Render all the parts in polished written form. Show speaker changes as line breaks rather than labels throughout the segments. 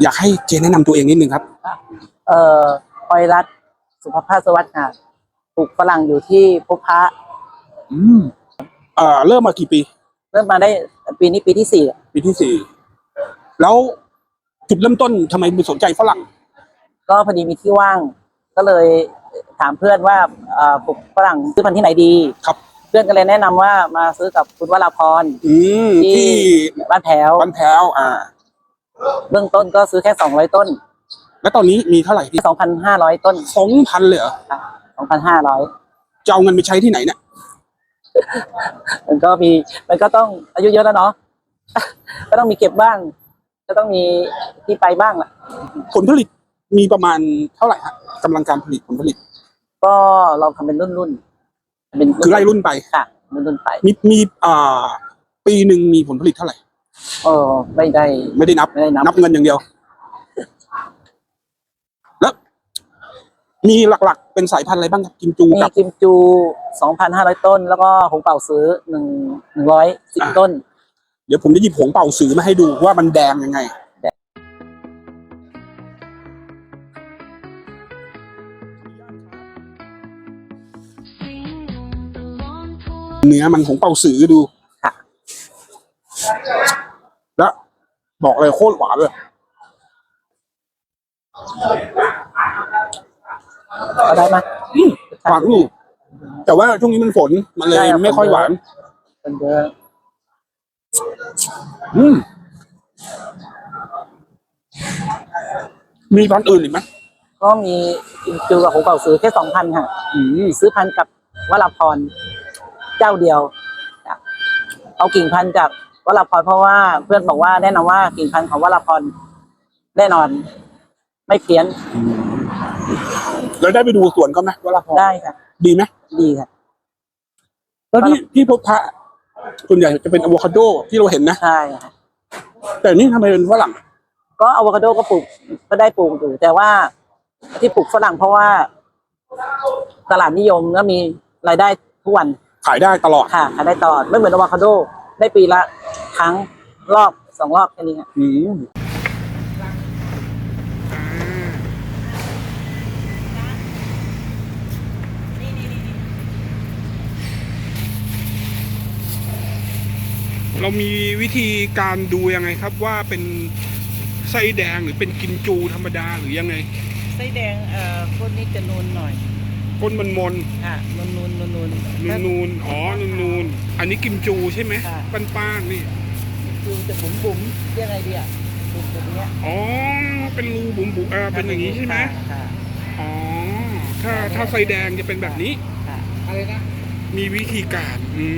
อยากให้เจแนะนำตัวเองนิดนึงครับ
พลอยรัตน์สุภภาสวัสดิ์ค่ะปลูกฝรั่งอยู่ที่พบพระ
อืมเริ่มมากี่ปี
เริ่มมาได้ปีนี้ปีที่4
ปีที่4แล้วจุดเริ่มต้นทำไมสนใจฝรั่ง
ก็พอดีมีที่ว่างก็เลยถามเพื่อนว่าปลูกฝรั่งซื้อพันธุ์ที่ไหนดี
ครับ
เพื่อนก็เลยแนะนำว่ามาซื้อกับคุณวราพรที่บ้านแถว
เ
บื้องต้นก็ซื้อแค่200ต้น
แล้วตอนนี้มีเท่าไหร่ที่
2,500ต้น
2,000เลยเหรอ
2,500
จะเอาเงินไปใช้ที่ไหนเนี่ย
มันก็ต้องอายุเยอะแล้วเนาะก็ต้องมีเก็บบ้างก็ต้องมีที่ไปบ้างแหละ
ผลผลิตมีประมาณเท่าไหร่ฮะกำลังการผลิตผลผลิต
ก็เราทำเป็นรุ่น
คือไล่รุ่นไป
ค่ะรุ่นไป
มีปีหนึ่งมีผลผลิตเท่าไหร่
ไม่ได้
นับเงินอย่างเดียวแล้วมีหลักๆเป็นสายพันธุ์อะไรบ้างครับกิมจู
มีกิมจู 2,500 ต้นแล้วก็หงเป่าซื้อ110ต้น
เดี๋ยวผมจะหยิบหงเป่าซื้อมาให้ดูว่ามันแดงยังไงเนื้อมันของเป่าสือดู
ค่ะ
แล้วบอกเลยโคตรหวานเลย
ได้ไหม
หวานอยู่แต่ว่าช่วงนี้มันฝนมันเลยไม่ค่อยหวาน
เป็นเยอะ
มีพันธุ์อื่นอีกไหม
ก็มีกิมจูกับหงเป่าซื้อแค่2,000ค่ะซื้อพันธุ์กับวราพรเจ้าเดียวเอากิ่งพันธุ์จากวราพรเพราะว่าเพื่อนบอกว่าแนะนำว่ากิ่งพันธุ์ของวราพรแน่นอนไม่เพี้ยน
แล้วได้ไปดูสวนเขาไหมวราพร
ได้ค่ะ
ดีไหม
ดีค่ะ
แล้วที่พบพระส่วนใหญ่จะเป็นอะโวคาโดที่เราเห็นนะ
ใช่ค่ะ
แต่นี่ทำไมเป็นฝรั่ง
ก็อะโวคาโดก็ปลูกก็ได้ปลูกอยู่แต่ว่าที่ปลูกฝรั่งเพราะว่าตลาดนิยมแล้วมีรายได้ทุกวัน
ขายได้ตลอด
ค่ะขายได้ตลอดไม่เหมือนอะโวคาโดได้ปีละครั้งรอบ2 รอบแค่นี้ค่ะ
เรามีวิธีการดูยังไงครับว่าเป็นไส้แดงหรือเป็นกิมจูธรรมดาหรือยังไง
ไส้แดงก้นนี้จะนูนหน่อย
ก้นมันมน
ค่ะนูน
อ๋อนูนอันนี้กิมจูใช่ไหมป้านนี่
คือจะบุ๋มยังไงดีอ่ะบุ๋มแบบนี้
อ๋อเป็นรูบุ๋มเป็นอย่างนี้ใช่ไหมอ๋อถ้าไส้แดงจะเป็นแบบนี้
อะไรนะ
มีวิธีการ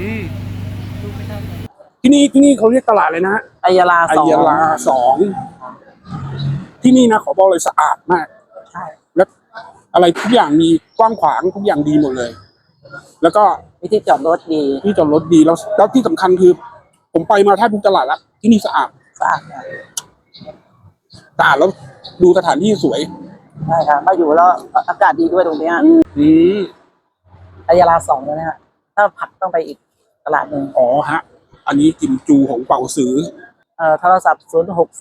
ที่นี่เขาเรียกตลาดเลยนะ
อัยยาลา
2ที่นี่นะขอบอกเลยสะอาดมาก
ใช่
และอะไรทุกอย่างมีกว้างขวางทุกอย่างดีหมดเลยแล้วก็
ที่จอดรถดี
แล้วที่สำคัญคือผมไปมาแทบทุกตลาดแล้วที่นี่สะอาดแล้วดูสถานที่สวย
ใช่ครับมาอยู่แล้วอากาศดีด้วยตรงนี้อัยยาลา2เลยนะฮะถ้าผักต้องไปอีกตลาดหนึ่ง
อ๋อฮะอันนี้กิมจูของเป่าซื้อ
โทรศัพท์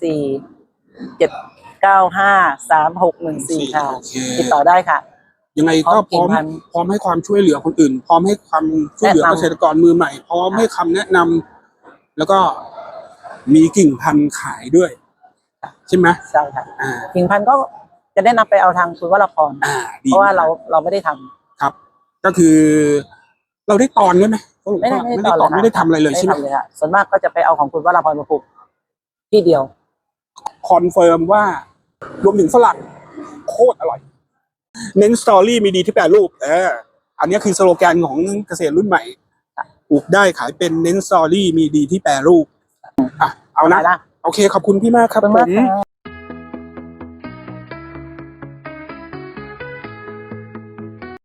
064-795-3614ค่ะติดต่อได้ค่ะ
ยังไงก็พร้อมให้ความช่วยเหลือคนอื่นพร้อมให้ความช่วยเหลือเกษตรกรมือใหม่พร้อมให้คำแนะนำแล้วก็มีกิ่งพันธุ์ขายด้วยใช่ไหม
ใช่ค่ะกิ่งพันธุ์ก็จะแนะนำไปเอาทางคุณวราพรเพราะว่าเราไม่ได้ทำ
ครับก็คือเราได้ตอนด้วยไหมไม่ได้ตอนไม่ได้ทำอะไรเลยใช่ไหม
ส่วนมากก็จะไปเอาของคุณวราพรมาปลูกที่เดียว
คอนเฟิร์มว่ารวมถึงฝรั่งโคตรอร่อยเน้นสตอรี่มีดีที่แปรรูปอันนี้คือสโลแกนของเกษตรรุ่นใหม่ปลูกได้ขายเป็นเน้นสตอรี่มีดีที่แปรรูปเอานะโอเคขอบคุณพี่มากครับผม